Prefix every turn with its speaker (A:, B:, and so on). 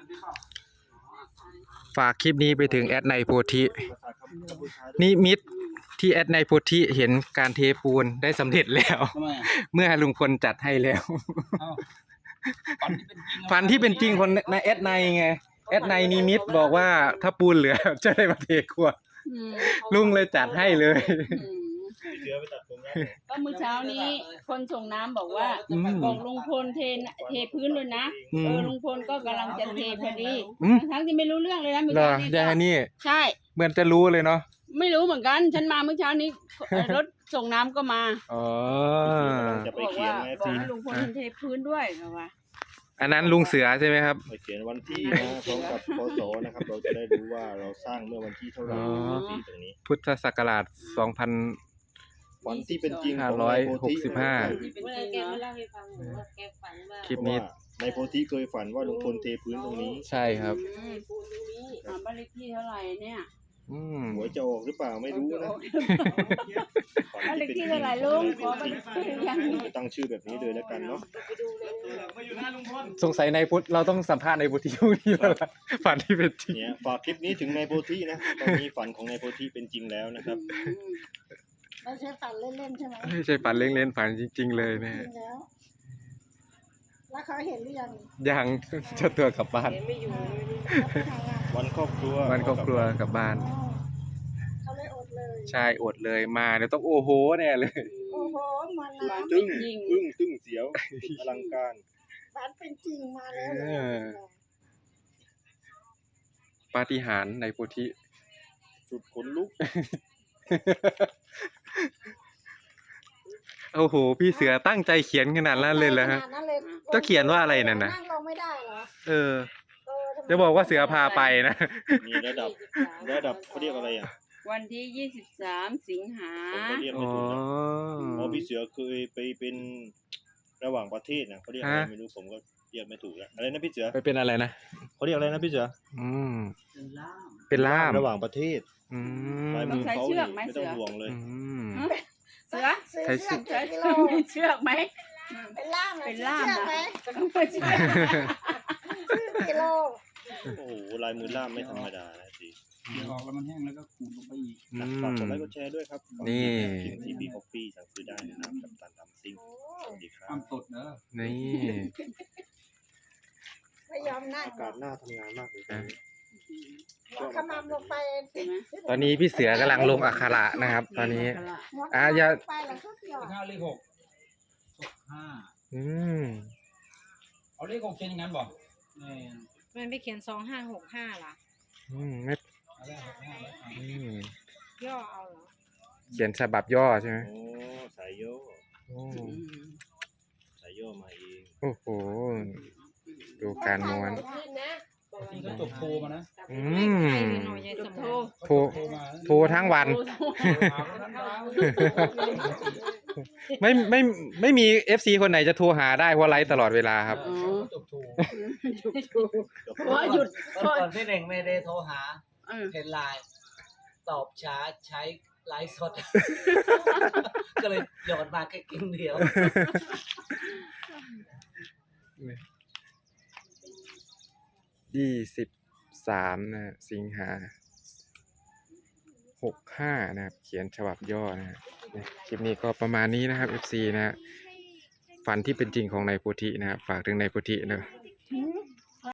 A: ฝากคลิปนี้ไปถึงแอดในโพธินิมิตที่แอดในโพธิเห็นการเทปูนได้สำเร็จแล้วเมื่อลุงพลจัดให้แล้วฝันที่เป็นจริงคนในแอดในไงแอดในนิมิตบอกว่าถ้าปูนเหลือจะได้มาเทครัวลุงเลยจัดให้เลย
B: ก็มื้อเช้านี้คนส่งน้ำบอกว่าบอกลุงพลเทพื้นเลยนะลุงพลก็กำลังจะเทพอดีทั้งที่ไม่รู้เรื่องเลยนะมื้อเช้านี้ใช่
A: เหมือนจะรู้เลยเนาะ
B: ไม่รู้เหมือนกันฉันมาเมื่อเช้านี้รถส่งน้ำก็มา
C: บอกว่า
B: ลุงพลเทพื้นด้วยเหรอวะ
A: อันนั้นลุงเสือใช่ไหมครับ
C: เขียนวันที่นะพร้อมกับพศนะครับเราจะได้รู้ว่าเราสร้างเมื่อวันที่เท่าไหร่ที่ตรงนี้
A: พุทธศักราช
C: วันที่เป็นจริง
A: คลิปนี้
C: ในโพธิเคยฝันว่าลุงพลเทพื้นตรงนี้
A: ใช่ครับ
B: บ้านเลขที่เท่าไหร่เนี่ย
C: หัวจะออกหรือเปล่าไม่รู้นะ
B: บ้านเลขที่เท่าไหร่ลุงขอ
C: ตั้งชื่อแบบนี้เลยแล้วกันเนาะ
A: สงสัยในพุทธเราต้องสัมภาษณ์ในโพธิช่วงนี้แล้วล่ะฝันที่เป็นจริง
C: เนี่ยฝากคลิปนี้ถึงในโพธินะตอนนี้ฝันของในโพธิเป็นจริงแล้วนะครับ
D: ไม่ใช่ฝันเล่นๆใช่ไหม
A: ไม่ใช่ฝันเล่นๆฝันจริงๆเลยแม่
D: แล้วเขาเห็นหรือยัง
A: ยังเจ้าตัวกลับบ้าน
C: วันครอบครัว
A: กลับบ้าน
D: เขาเลยอดเลย
A: ใช่อดเลยมาเดี๋ยวต้องโอ้โหแน่เลย
D: โอ้โหมันนะ
C: ตึ้งเสียวอลังการ
D: ฝันเป็นจริงมาแล้ว
A: ปาฏิหาริย์ในโพธิ
C: สุดขนลุก
A: โอ้โหพี่เสือตั้งใจเขียนขนาดนั้นเลยเหรอฮะจะเขียนว่าอะไรนั่นนะ
D: นั่งลงไม่ได้เหรอ
A: จะบอกว่าเสือพาไปนะ
C: มีระดับเขาเรียกอะไรอ่ะ
B: วันที่23 สิงหา
C: พี่เสือเคยไปเป็นระหว่างประเทศนะเขาเรียกอะไรไม่รู้ผมก็เรียกไม่ถูกแล้วอะไรนะพี่เสือ
A: ไปเป็นอะไรนะ
C: เขาเรียกอะไรนะพี่เสือ
A: เป็นล่าม
C: ระหว่างประเทศ
B: ลายมือเขา
C: ไม่ต้องห่วงเลย
B: เสือ
D: ใช้เ
B: ชือกไหม
D: เป็นล่าม
B: ไหม
D: กิโล
C: โอ้โหลายมือล่ามไม่ธรรมดานะสิ
E: เดี๋ยวออกแล้วมันแห้งแล้วก็ขูดลงไปอีก
C: ฝากกดไลค์กดแชร์ด้วยครับ
A: นี่
C: ทีบีคอฟฟี่สั่งซื้อได้นะครับกับตันทำซิ่งสวัสดีครับ
E: ความสดเนอะ
A: นี่
D: ไม่ยอมนั่ง
C: อากาศหน้าทำงานมากเลย
D: ขมำลงไป
A: ตอนนี้พี่เสือกำลังลงอักขระนะครับตอนนี้อย่า
E: 5 เลข 6 เอาเลข 6เขียนอย่างนั้นบอก
F: มันไปเขียน2565ล่ะ
A: ไม่
F: ย่อเอาเหรอ
A: เขียนฉบับย่อใช่ไหม
C: โอ้สายย่อมาเอง
A: โอ้โหดูการม้วน
E: ที่ก็จบโทรมานะ
A: โทรทั้งวันไม่มี FC คนไหนจะโทรหาได้เพราะไลฟ์ตลอดเวลาครับ
B: เพราะหยุด
G: ก่อนพี่เน่งไม่ได้โทรหาเห็นไลน์ตอบช้าใช้ไลฟ์สดก็เลยหยอดมาแค่กิ้งเดียว
A: 23นะสิงหา65นะครับเขียนฉบับย่อนะคลิปนี้ก็ประมาณนี้นะครับ FC นะฝันที่เป็นจริงของนายโพธินะครับฝากถึงนายโพธินะ